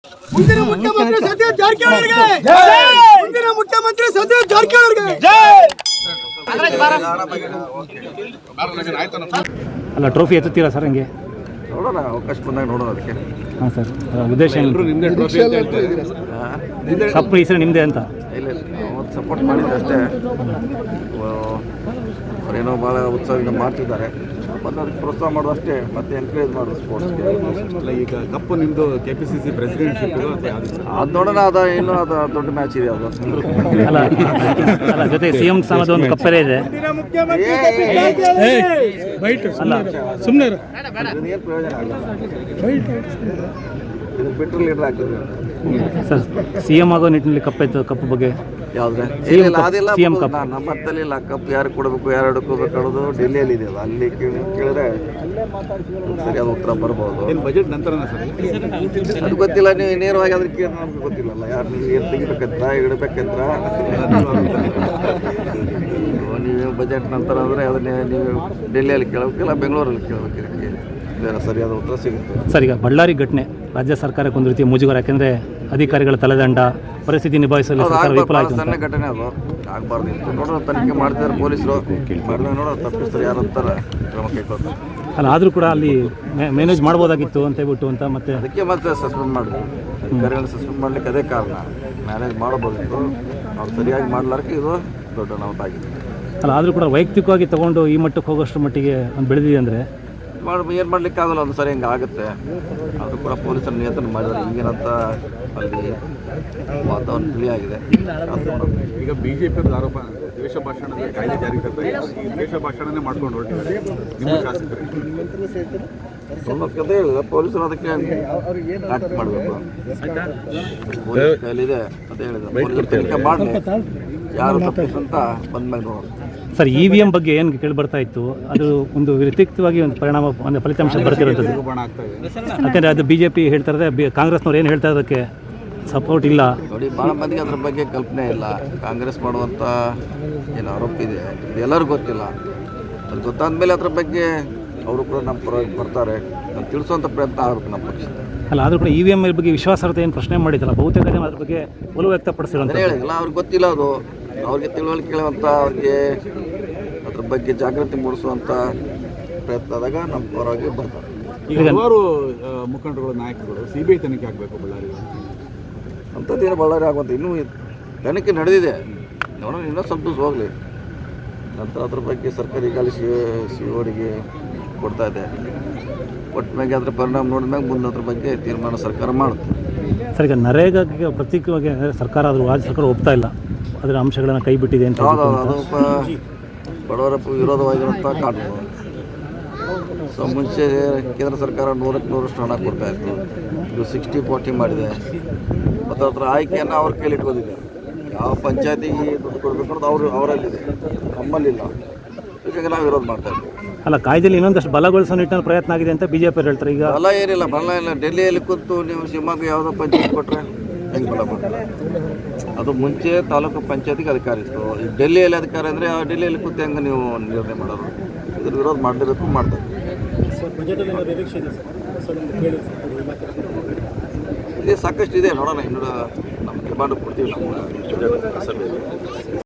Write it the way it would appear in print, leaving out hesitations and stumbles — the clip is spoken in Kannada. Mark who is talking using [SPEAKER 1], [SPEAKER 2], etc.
[SPEAKER 1] ಮುಂದಿನ ಮುಖ್ಯಮಂತ್ರಿ ಸತೀಶ್ ಜಾರಕಿಹೊಳಿಗೆ ಮುಂದಿನ ಮುಖ್ಯಮಂತ್ರಿ ಸತೀಶ್ ಜಾರಕಿಹೊಳಿಗೆ
[SPEAKER 2] ಅಲ್ಲ ಟ್ರೋಫಿ ಎತ್ತುತ್ತೀರಾ ಸರ್ ಹಂಗೆ
[SPEAKER 3] ನೋಡೋಣ ಅವಕಾಶ ಬಂದಾಗ ನೋಡೋಣ ಅದಕ್ಕೆ.
[SPEAKER 2] ಹಾಂ ಸರ್ ಉದ್ದೇಶ ಕಪ್ಪು ಈ ಸರಿ ನಿಮ್ಮದೇ ಅಂತ
[SPEAKER 3] ಇಲ್ಲ ನಾವು ಸಪೋರ್ಟ್ ಮಾಡಿದ್ದೆ ಅಷ್ಟೇ. ಅವರೇನೋ ಭಾಳ ಉತ್ಸಾಹದಿಂದ ಮಾಡ್ತಿದ್ದಾರೆ, ಮತ್ತು ಅದಕ್ಕೆ ಪ್ರೋತ್ಸಾಹ ಮಾಡೋದು ಅಷ್ಟೇ, ಮತ್ತೆ ಎನ್ಕರೇಜ್ ಮಾಡೋದು ಸ್ಪೋರ್ಟ್ಸ್ಗೆ.
[SPEAKER 4] ಈಗ ಕಪ್ಪು ನಿಮ್ಮದು KPCC ಪ್ರೆಸಿಡೆಂಟ್ಶಿಪ್
[SPEAKER 3] ಅದು ನೋಡೋಣ, ಇನ್ನೂ ಅದು ದೊಡ್ಡ ಮ್ಯಾಚ್ ಇದೆ ಅದು.
[SPEAKER 2] ಅಲ್ಲ ಅಲ್ಲ ಜೊತೆ CM ಸ್ಥಾನದ ಒಂದು ಕಪ್ಪರೇ ಇದೆ. ಅಲ್ಲ
[SPEAKER 4] ಸುಮ್ಮನೆ
[SPEAKER 3] ಏನು ಪ್ರಯೋಜನ ಆಗಲ್ಲ, ಇದು ಬಿಟ್ಟರೆ ಲೀಡರ್ ಆಗ್ತದೆ
[SPEAKER 2] ಸರ್ CM ಆಗೋ ನಿಟ್ಟಿನಲ್ಲಿ ಕಪ್ಪು ಬಗ್ಗೆ
[SPEAKER 3] ಯಾವುದ್ರೆ ಅದೆಲ್ಲ ನಮ್ಮ ಹತ್ತಲ್ಲಿ ಇಲ್ಲ. ಕಪ್ ಯಾರು ಕೊಡಬೇಕು, ಯಾರು ಹಿಡ್ಕೋಬೇಕು ಅನ್ನೋದು ಡೆಲ್ಲಿಯಲ್ಲಿ ಇದೆಯಲ್ಲ, ಅಲ್ಲಿ ಕೇಳಿದ್ರೆ ಸರಿಯಾದ ಉತ್ತರ ಬರ್ಬೋದು.
[SPEAKER 4] ಬಜೆಟ್ ನಂತರನೇ ಸರ್
[SPEAKER 3] ಅದು ಗೊತ್ತಿಲ್ಲ, ನೀವು ನೇರವಾಗಿ ಅದ್ರ ಕೇಳಿ ನಮ್ಗೆ ಗೊತ್ತಿಲ್ಲಲ್ಲ, ಯಾರು ನೀವು ಏನು ತೆಗಿಬೇಕಂತ ಇಡಬೇಕಂತ. ನೀವು ಬಜೆಟ್ ನಂತರ ಅಂದರೆ ಅದನ್ನೇ ನೀವು ಡೆಲ್ಲಿಯಲ್ಲಿ ಕೇಳಬೇಕಿಲ್ಲ, ಬೆಂಗಳೂರಲ್ಲಿ ಕೇಳಬೇಕು. ಇದಕ್ಕೆ ಬೇರೆ ಸರಿಯಾದ ಉತ್ತರ ಸಿಗುತ್ತೆ.
[SPEAKER 2] ಸರ್ ಈಗ ಬಳ್ಳಾರಿ ಘಟನೆ ರಾಜ್ಯ ಸರ್ಕಾರಕ್ಕೆ ಒಂದು ರೀತಿಯ ಮುಜುಗರ, ಯಾಕೆಂದರೆ ಅಧಿಕಾರಿಗಳ ತಲೆದಂಡ, ಪರಿಸ್ಥಿತಿ ನಿಭಾಯಿಸಲು ಸರ್ಕಾರ ವಿಫಲ ಆಯಿತು.
[SPEAKER 3] ಸಣ್ಣ ಘಟನೆ ಅದು ಆಗಬಾರ್ದು ಇತ್ತು. ನೋಡೋಣ, ತನಿಖೆ ಮಾಡ್ತಿದ್ದಾರೆ ಪೊಲೀಸರು, ಮಾಡಿದಾಗ ನೋಡೋಣ ತಪ್ಪಿಸ್ತಾರೆ ಯಾರು ಅಂತಾರೆ ಕ್ರಮ ಕೈಗೊಳ್ತಾರೆ.
[SPEAKER 2] ಅಲ್ಲ ಆದರೂ ಕೂಡ ಅಲ್ಲಿ ಮ್ಯಾನೇಜ್ ಮಾಡ್ಬೋದಾಗಿತ್ತು ಅಂತ ಹೇಳ್ಬಿಟ್ಟು ಅಂತ ಮತ್ತೆ
[SPEAKER 3] ಅದಕ್ಕೆ ಮತ್ತೆ ಸಸ್ಪೆಂಡ್ ಮಾಡಿದ್ರು. ಅಧಿಕಾರಿಗಳನ್ನ ಸಸ್ಪೆಂಡ್ ಮಾಡಲಿಕ್ಕೆ ಅದೇ ಕಾರಣ, ಮ್ಯಾನೇಜ್ ಮಾಡಬೋದಿತ್ತು. ಅವ್ರು ಸರಿಯಾಗಿ ಮಾಡಲಾರಕ್ಕೆ ಇದು ದೊಡ್ಡ ಅನಾಹುತ ಆಗಿದೆ.
[SPEAKER 2] ಅಲ್ಲ ಆದರೂ ಕೂಡ ವೈಯಕ್ತಿಕವಾಗಿ ತೊಗೊಂಡು ಈ ಮಟ್ಟಕ್ಕೆ ಹೋಗೋಷ್ಟು ಮಟ್ಟಿಗೆ ಒಂದು ಬೆಳೆದಿದೆ ಅಂದರೆ
[SPEAKER 3] ಏನು ಮಾಡಲಿಕ್ಕೆ ಆಗಲ್ಲ, ಒಂದು ಸರಿ ಹಿಂಗೆ ಆಗುತ್ತೆ. ಅದು ಕೂಡ ಪೊಲೀಸರ ನಿಯಂತ್ರಣ ಮಾಡಿದ್ದಾರೆ. ಈಗೇನಂತ ಅಲ್ಲಿ ವಾತಾವರಣ ತಿಳಿಯಾಗಿದೆ.
[SPEAKER 4] ಈಗ BJP ಆರೋಪ ದ್ವೇಷ ಭಾಷಣದ ಕಾಯ್ದೆ ಜಾರಿ ತರ್ತಾರೆ, ಈ ದ್ವೇಷ ಭಾಷಣನೇ ಮಾಡ್ಕೊಂಡು ಹೊರಟಿದ್ದಾರೆ ನಿಮ್ಮ ಶಾಸಕರು.
[SPEAKER 3] ಕತೆ ಇಲ್ಲ, ಪೊಲೀಸರು ಅದಕ್ಕೆ ಆಕ್ಟ್ ಮಾಡಬೇಕು. ಪೊಲೀಸ್ ಕೈಲಿದೆ ಅಂತ ಹೇಳಿದ್ರೆ ಪೊಲೀಸರು ತನಿಖೆ ಮಾಡಲಿ, ಯಾರು ತಪ್ಪಿಸಂತ ಬಂದ್ಮೇಲೆ ನೋಡೋಣ.
[SPEAKER 2] ಸರ್ EVM ಬಗ್ಗೆ ಏನು ಕೇಳಿ ಬರ್ತಾ ಇತ್ತು, ಅದು ಒಂದು ವ್ಯತಿರಿಕ್ತವಾಗಿ ಒಂದು ಪರಿಣಾಮ, ಒಂದು ಫಲಿತಾಂಶ ಬರ್ತಿರೋಂಥದ್ದು. ಯಾಕೆಂದರೆ ಅದು BJP ಹೇಳ್ತಾ ಇರೋದೇ, ಕಾಂಗ್ರೆಸ್ನವ್ರು ಏನು ಹೇಳ್ತಾ ಇರೋದಕ್ಕೆ ಸಪೋರ್ಟ್ ಇಲ್ಲ.
[SPEAKER 3] ನೋಡಿ, ಭಾಳ ಮಂದಿಗೆ ಅದ್ರ ಬಗ್ಗೆ ಕಲ್ಪನೆ ಇಲ್ಲ. ಕಾಂಗ್ರೆಸ್ ಮಾಡುವಂಥ ಏನು ಆರೋಪ ಇದೆ ಇದು ಎಲ್ಲರಿಗೂ ಗೊತ್ತಿಲ್ಲ. ಅದು ಗೊತ್ತಾದ ಮೇಲೆ ಅದ್ರ ಬಗ್ಗೆ ಅವರು ಕೂಡ ನಮ್ಮ ಪರವಾಗಿ ಬರ್ತಾರೆ, ನಾನು ತಿಳಿಸುವಂಥ ಪ್ರಯತ್ನ ಆಗುತ್ತೆ ನಮ್ಮ ಪಕ್ಷ.
[SPEAKER 2] ಅಲ್ಲ ಆದರೂ ಕೂಡ EVM ಬಗ್ಗೆ ವಿಶ್ವಾಸಾರ್ಹತೆ ಏನು ಪ್ರಶ್ನೆ ಮಾಡಿದ್ದಲ್ಲ, ಬಹುತೇಕ ಜನ ಅದ್ರ ಬಗ್ಗೆ ಒಲವು ವ್ಯಕ್ತಪಡಿಸಿರೋಂಥ
[SPEAKER 3] ಹೇಳಿಲ್ಲ. ಅವ್ರಿಗೆ ಗೊತ್ತಿಲ್ಲ, ಅದು ಅವ್ರಿಗೆ ತಿಳುವಳಿಕೆ ಕೇಳುವಂಥ, ಅವ್ರಿಗೆ ಅದ್ರ ಬಗ್ಗೆ ಜಾಗೃತಿ ಮೂಡಿಸುವಂಥ ಪ್ರಯತ್ನ ಆದಾಗ ನಮ್ಮ ಪರವಾಗಿ ಬರ್ತಾರೆ.
[SPEAKER 4] ಈಗ ಹಲವಾರು ಮುಖಂಡರುಗಳು, ನಾಯಕರುಗಳು CBI ತನಿಖೆ ಆಗಬೇಕು ಬಳ್ಳಾರಿ
[SPEAKER 3] ಅಂಥದ್ದೇನು ಬಳ್ಳಾರಿ ಆಗುವಂಥ ಇನ್ನೂ ತನಿಖೆ ನಡೆದಿದೆ. ನೋಡೋಣ, ಇನ್ನೂ ಸ್ವಲ್ಪ ದಿವಸ ಹೋಗಲಿ. ನಂತರ ಅದ್ರ ಬಗ್ಗೆ ಸರ್ಕಾರ ಈಗಾಗಲೇ CODಗೆ ಕೊಡ್ತಾ ಇದೆ. ಕೊಟ್ಟ ಮ್ಯಾಗೆ ಅದ್ರ ಪರಿಣಾಮ ನೋಡಿದ ಮ್ಯಾಗೆ ಮುಂದೆ ಅದ್ರ ಬಗ್ಗೆ ತೀರ್ಮಾನ ಸರ್ಕಾರ ಮಾಡುತ್ತೆ.
[SPEAKER 2] ಸರ್ ಈಗ ನರೇಗಾಗೆ ಪ್ರತ್ಯೇಕವಾಗಿ ಸರ್ಕಾರ ಆದರೂ ರಾಜ್ಯ ಸರ್ಕಾರ ಒಪ್ತಾ ಇಲ್ಲ, ಅದರ ಅಂಶಗಳನ್ನು ಕೈ ಬಿಟ್ಟಿದೆ ಅಂತ.
[SPEAKER 3] ಹೌದು, ಅದು ಬಡವರ ವಿರೋಧವಾಗಿರುವಂಥ ಕಾನೂನು. ಸೊ ಮುಂಚೆ ಕೇಂದ್ರ ಸರ್ಕಾರ 100ಕ್ಕೆ 100% ಹಣ ಕೊಡ್ತಾ ಇತ್ತು. ಇದು 60-40 ಮಾಡಿದೆ. ಮತ್ತು ಅದರ ಆಯ್ಕೆಯನ್ನು ಅವ್ರ ಕೈಲಿ ಇಟ್ಕೊಂಡಿದೆ. ಯಾವ ಪಂಚಾಯತಿಗೆ ದುಡ್ಡು ಕೊಡಬೇಕು ಅನ್ನೋದು ಅವರಲ್ಲಿದೆ, ನಮ್ಮಲ್ಲಿಲ್ಲ. ಹೀಗಾಗಿ ನಾವು ವಿರೋಧ ಮಾಡ್ತಾ ಇದ್ದೀವಿ.
[SPEAKER 2] ಅಲ್ಲ ಕಾಯ್ದೆಯಲ್ಲಿ ಇನ್ನೊಂದಷ್ಟು ಬಲಗೊಳಿಸೋ ನಿಟ್ಟಿನಲ್ಲಿ ಪ್ರಯತ್ನ ಆಗಿದೆ ಅಂತ BJP ಹೇಳ್ತಾರೆ. ಈಗ
[SPEAKER 3] ಬಲ ಏನಿಲ್ಲ, ಬಲ ಇಲ್ಲ. ಡೆಲ್ಲಿಯಲ್ಲಿ ಕೂತು ನೀವು ಶಿವಮೊಗ್ಗ ಯಾವುದೋ ಪಂಚಾಯತ್ ಕೊಟ್ಟರೆ ಹೆಂಗೆ ಬಲ ಕೊಡ್ತಾರೆ? ಅದು ಮುಂಚೆ ತಾಲೂಕು ಪಂಚಾಯತಿಗೆ ಅಧಿಕಾರ ಇತ್ತು. ಈಗ ಡೆಲ್ಲಿಯಲ್ಲಿ ಅಧಿಕಾರ ಅಂದರೆ ಆ ಡೆಲ್ಲಿಯಲ್ಲಿ ಕೂತು ಹೆಂಗೆ ನೀವು ನಿರ್ಣಯ ಮಾಡೋದು? ಇದ್ರ ವಿರೋಧ ಮಾಡಲೇಬೇಕು, ಮಾಡ್ತಾರೆ. ಇದೇ ಸಾಕಷ್ಟು ಇದೆ, ನೋಡೋಣ. ಇನ್ನೂ ನಮ್ಮ ಡಿಮಾಂಡ್ ಕೊಡ್ತೀವಿ ನಮ್ಮ ಸಭೆಯಲ್ಲಿ.